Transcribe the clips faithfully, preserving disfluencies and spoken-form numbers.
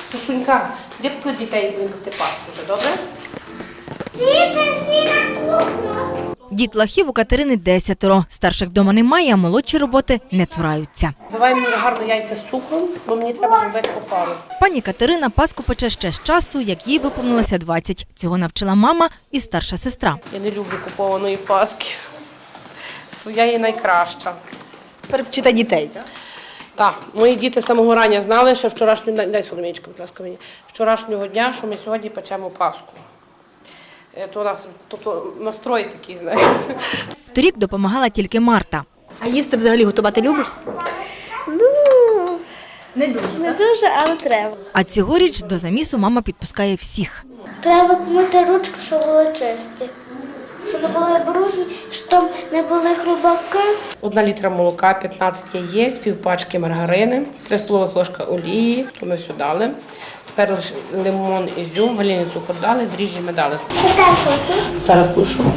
Сашунька, де б тут дітей будемо пекти паску вже, добре? Дітлахів у Катерини десятеро. Старших вдома немає, а молодші роботи не цураються. Давай мені гарно яйця з цукром, бо мені треба зробити опару. Пані Катерина паску пече ще з часу, як їй виповнилося двадцять. Цього навчила мама і старша сестра. Я не люблю купованої паски. Своя є найкраща. Перевчити дітей, так? Так, мої діти з самого рання знали, що вчорашнього, дай соломічка, будь ласка, мені, вчорашнього дня, що ми сьогодні печемо паску. То у нас, тобто настрой такий, знаєте. Торік допомагала тільки Марта. А їсти взагалі готувати любиш? Ну, Не дуже. не дуже, але треба. А цьогоріч до замісу мама підпускає всіх. Треба помити ручки, щоб були чисті. Щоб не були брудні, щоб не були хрубаки. Одна літра молока, п'ятнадцять яєць, півпачки маргарини, три столових ложка олії, то ми все дали. Тепер лише лимон, ізюм, ванільний цукор дали, дріжджі ми дали. Зараз душу.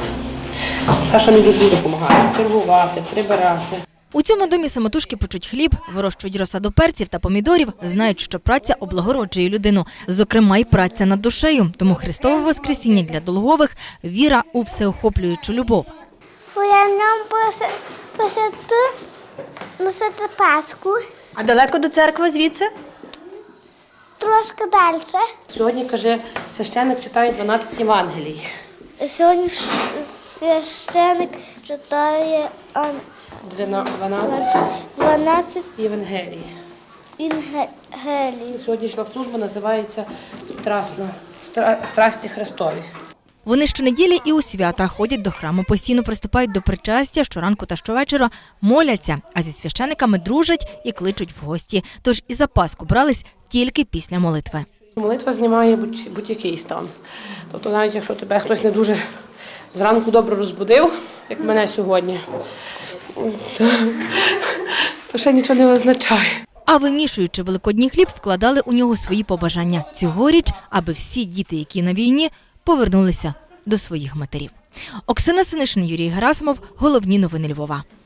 Саша мені дуже допомагає чергувати, прибирати. У цьому домі самотужки печуть хліб, вирощують розсаду перців та помідорів, знають, що праця облагороджує людину, зокрема й праця над душею. Тому Христове Воскресіння для Долгових – віра у всеохоплюючу любов. Я нам посити носити паску. А далеко до церкви звідси? Трошки далі. Сьогодні, каже, священник читає дванадцять Євангелій. Сьогодні священик читає дванадцять дванадцять Євангелій. інгелій. Сьогоднішня служба називається «Страсна, стра, Страсті Христові». Вони щонеділі і у свята ходять до храму, постійно приступають до причастя, щоранку та щовечора моляться, а зі священиками дружать і кличуть в гості. Тож і за Пасху брались тільки після молитви. Молитва знімає будь-який стан. Тобто навіть якщо тебе хтось не дуже зранку добре розбудив, як мене сьогодні, то, то ще нічого не означає. А вимішуючи великодній хліб, вкладали у нього свої побажання. Цьогоріч, аби всі діти, які на війні, повернулися до своїх матерів. Оксана Синишин, Юрій Герасимов. Головні новини Львова.